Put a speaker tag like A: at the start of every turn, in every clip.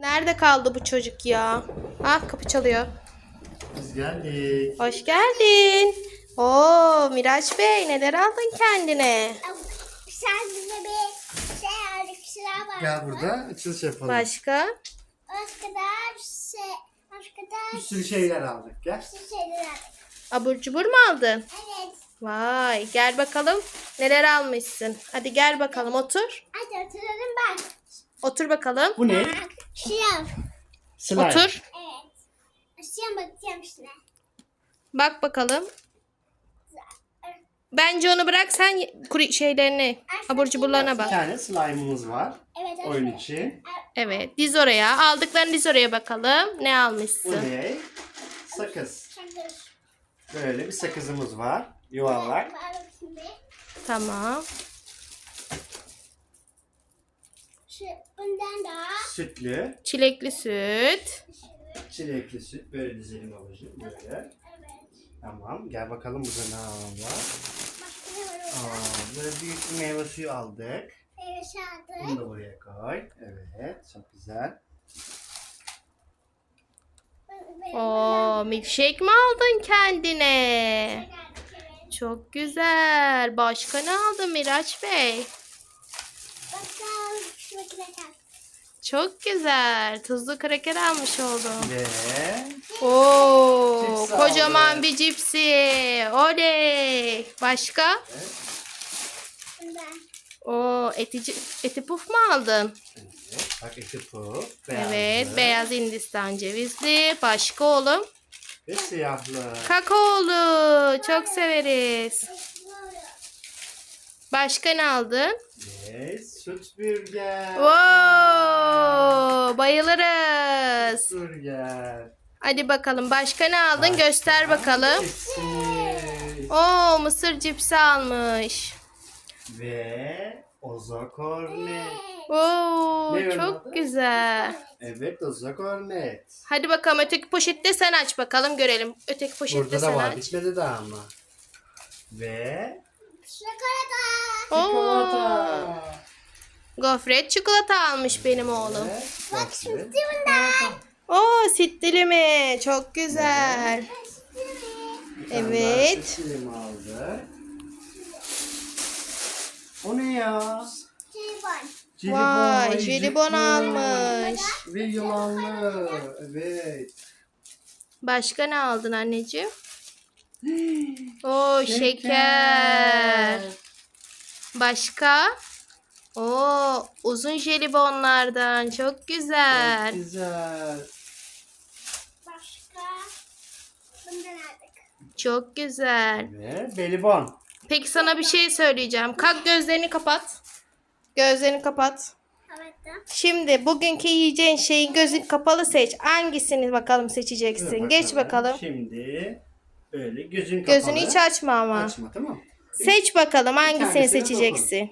A: Nerede kaldı bu çocuk ya? Ah, kapı çalıyor.
B: Biz geldik.
A: Hoş geldin. Oo, Miraç Bey, neler aldın kendine?
C: Sen bize bir şey aldık, sıra var.
B: Gel burada açılış yapalım.
A: Başka?
C: Başka da başka
B: Bir
C: da
B: sürü şeyler aldık. Gel.
C: şeyler aldık.
A: Abur cubur mu aldın?
C: Evet.
A: Vay, gel bakalım neler almışsın. Hadi gel bakalım, otur.
C: Hadi oturalım bak.
A: Otur bakalım.
B: Bu ne?
C: Bak, şıram.
B: Slime.
A: Otur.
C: Evet. Şıram bakacağım şuna.
A: Bak bakalım. Bence onu bırak, sen şeylerini, abur cuburlarına
B: Bir
A: bak.
B: tane slime'ımız var.
C: Evet, evet.
B: Oyun için.
A: Evet, diz oraya. Aldıklarını diz oraya bakalım. Ne
B: Bu
A: almışsın?
B: ne? Sakız.
C: Şakır.
B: Böyle bir sakızımız var. Yuvarlak.
C: Bak bakayım bir.
A: Tamam.
C: Şu bundan da.
B: Sütlü.
A: Çilekli süt.
B: Çilekli süt. Böyle dizelim babacığım. Böyle.
C: Evet.
B: Tamam. Gel bakalım burada ne var.
C: Başka ne var orada?
B: Böyle büyük bir meyve suyu aldık.
C: Evet,
B: Bunu
C: aldık.
B: da buraya koy. Evet. Çok güzel.
A: Oo, milkshake mi aldın kendine? Çok güzel. Başka ne aldın Miraç Bey?
C: Bakalım şu makine kalk.
A: Çok güzel. Tuzlu kraker almış oldum.
B: Ve
A: Oo,
B: Cips
A: kocaman
B: aldım.
A: bir cipsi. Oley. Başka?
C: Bundan.
A: Oo, eti puf mu aldın?
B: evet. Bak eti puf.
A: Evet,
B: Beyazlı
A: beyaz Hindistan cevizli. Başka oğlum?
B: ve siyahlı.
A: Kakaolu. Çok severiz. Başka ne aldın?
B: Ve süt burger.
A: Wow, bayılırız.
B: Burger.
A: Hadi bakalım, başka ne aldın?
B: Başka?
A: Göster bakalım.
B: Cipsi.
A: Oo, mısır cipsi almış.
B: Ve Ozo Cornet.
A: Oo,
B: Ne
A: çok
B: adı?
A: güzel.
B: Evet Ozo Cornet.
A: Hadi bakalım, öteki poşette sen aç bakalım, görelim. Öteki poşette
B: Burada da
A: sen
B: var.
A: aç.
B: Bitmedi daha ama. Ve
C: Çikolata.
A: Oo,
B: çikolata.
A: gofret çikolata almış benim oğlum.
B: Ve gofret.
A: Oo, sütlü mi? Çok güzel.
B: Bir tane
A: Evet.
B: daha süt dilimi aldı. O ne ya?
C: Jelibon.
A: Vay, jelibon
B: jelibon
A: almış.
B: Ve yılanlı. Evet.
A: Başka ne aldın anneciğim? Oo, şeker. Başka? Oo, uzun jelibonlardan. Çok güzel.
B: Çok güzel.
C: Başka. Bundan aldık.
A: Çok güzel.
B: Ve belibon.
A: Peki sana bir şey söyleyeceğim. Kalk, gözlerini kapat. Gözlerini kapat.
C: Evet.
A: Şimdi bugünkü yiyeceğin şeyi gözün kapalı seç. Hangisini bakalım
B: Dur
A: seçeceksin? Geç bakalım.
B: Şimdi böyle gözün kapalı.
A: Gözünü hiç açma ama.
B: Açma, tamam.
A: Seç bakalım hangisini
B: tanesine
A: seçeceksin.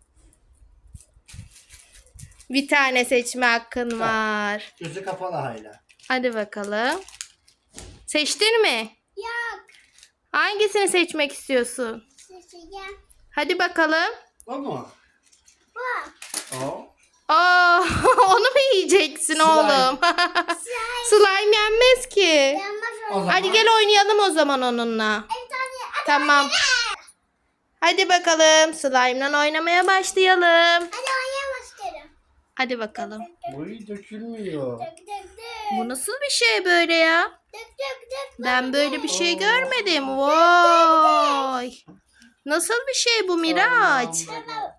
A: Bir tane seçme hakkın var.
B: Gözü kapalı hala.
A: Hadi bakalım. Seçtin mi?
C: Yok.
A: Hangisini seçmek istiyorsun?
C: Seçeceğim.
A: Hadi bakalım.
B: O mu?
C: Bu.
B: O.
A: Aa, onu mu yiyeceksin
B: Slime.
A: oğlum? Slime yenmez ki.
C: Yanmaz
B: O
C: o.
B: zaman.
A: Hadi gel oynayalım o zaman onunla.
C: Bir tane.
A: Tamam. Hadi bakalım, slime'la oynamaya başlayalım.
C: Hadi oynayalım isterim.
A: Hadi bakalım.
B: Bu dökülmüyor.
C: Dök dök dök.
A: Bu nasıl bir şey böyle ya?
C: Dök dök dök.
A: Ben böyle bir şey
B: Oo.
A: görmedim. Vay. Nasıl bir şey bu Miraç?
C: Tamam.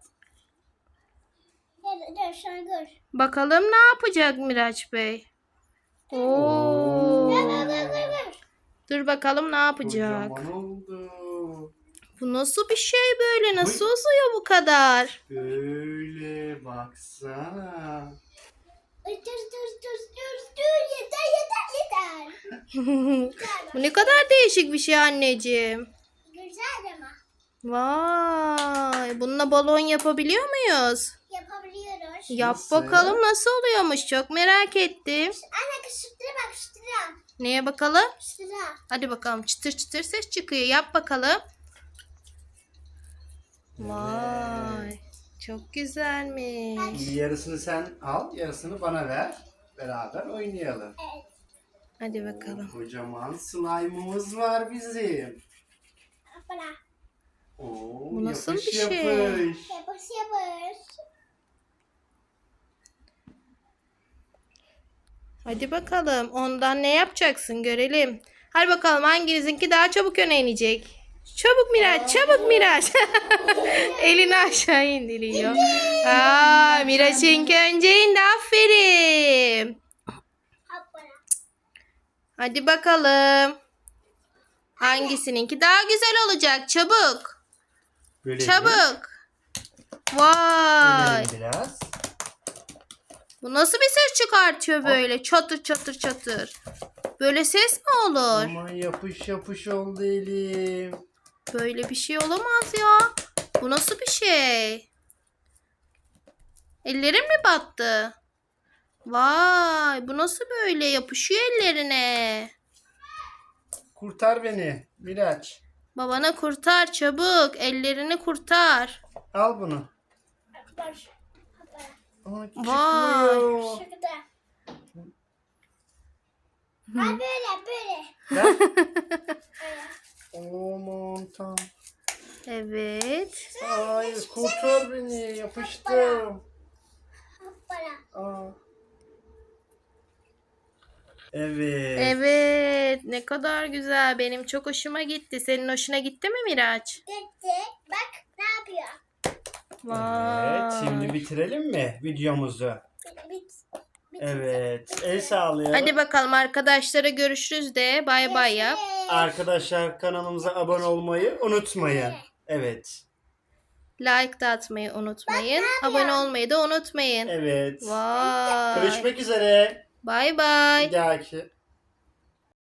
C: Dur şunu gör.
A: Bakalım ne yapacak Miraç Bey? Oo.
C: Dur.
A: Dur bakalım ne yapacak?
B: Kocaman oldu.
A: Bu nasıl bir şey böyle? Nasıl uzuyor bu kadar?
B: Böyle baksana.
C: Dur. Yeter.
A: Bu ne kadar değişik bir şey anneciğim.
C: Güzel ama.
A: Vay. Bununla balon yapabiliyor muyuz?
C: Yapabiliyoruz.
A: Yap
B: Nasıl?
A: bakalım nasıl oluyormuş. Çok merak ettim.
C: Anne kışıktıra bak kışıktıra.
A: Neye bakalım?
C: Kışıktıra.
A: Hadi bakalım, çıtır çıtır ses çıkıyor. Yap bakalım. Vay. Çok güzelmiş.
B: Yarısını sen al, yarısını bana ver. beraber oynayalım.
C: Evet.
A: Hadi bakalım.
B: Kocaman slime'ımız var bizim.
C: Hoppala.
B: Oo,
A: Bu nasıl
B: yapış
A: bir şey?
B: yapış.
C: Yapış yapış.
A: Hadi bakalım. Ondan ne yapacaksın görelim. Hadi bakalım hanginizinki daha çabuk öne inecek. Çabuk Miraç, çabuk Miraç. Elini aşağı indiriyor. Aa, Miraç'ınki önce indi. Aferin.
C: Hoppala.
A: Hadi bakalım. Hangisininki daha güzel olacak? Çabuk.
B: Böyle
A: Çabuk. Vay.
B: biraz.
A: Bu nasıl bir ses çıkartıyor böyle? Çatır çatır çatır. Böyle ses mi olur?
B: Aman yapış yapış oldu elim.
A: Böyle bir şey olamaz ya. Bu nasıl bir şey? Ellerin mi battı? Vay, bu nasıl böyle yapışıyor ellerine?
B: Kurtar beni Miraç.
A: Babana kurtar çabuk. Ellerini kurtar.
B: Al bunu.
C: Hoppala. Hoppala.
B: Aa,
A: Vay.
B: çıkmıyor.
C: Şurada. Ha böyle böyle.
B: Ver. Aman tam.
A: Evet.
B: Hayır kurtar beni yapıştım.
C: Hoppala.
B: Aa. Evet.
A: Evet. Ne kadar güzel. Benim çok hoşuma gitti. Senin hoşuna gitti mi Miraç?
C: Gitti. Bak ne yapıyor?
A: Vay.
B: Evet, şimdi bitirelim mi videomuzu?
C: Bit.
B: Evet, el sağlayalım.
A: Hadi bakalım arkadaşlara görüşürüz de. Bay bay yap.
B: Arkadaşlar kanalımıza abone olmayı unutmayın. Evet.
A: Like da atmayı unutmayın. Abone olmayı da unutmayın.
B: Evet.
A: Vay.
B: Görüşmek üzere.
A: Bay bay.
B: Bir dahaki.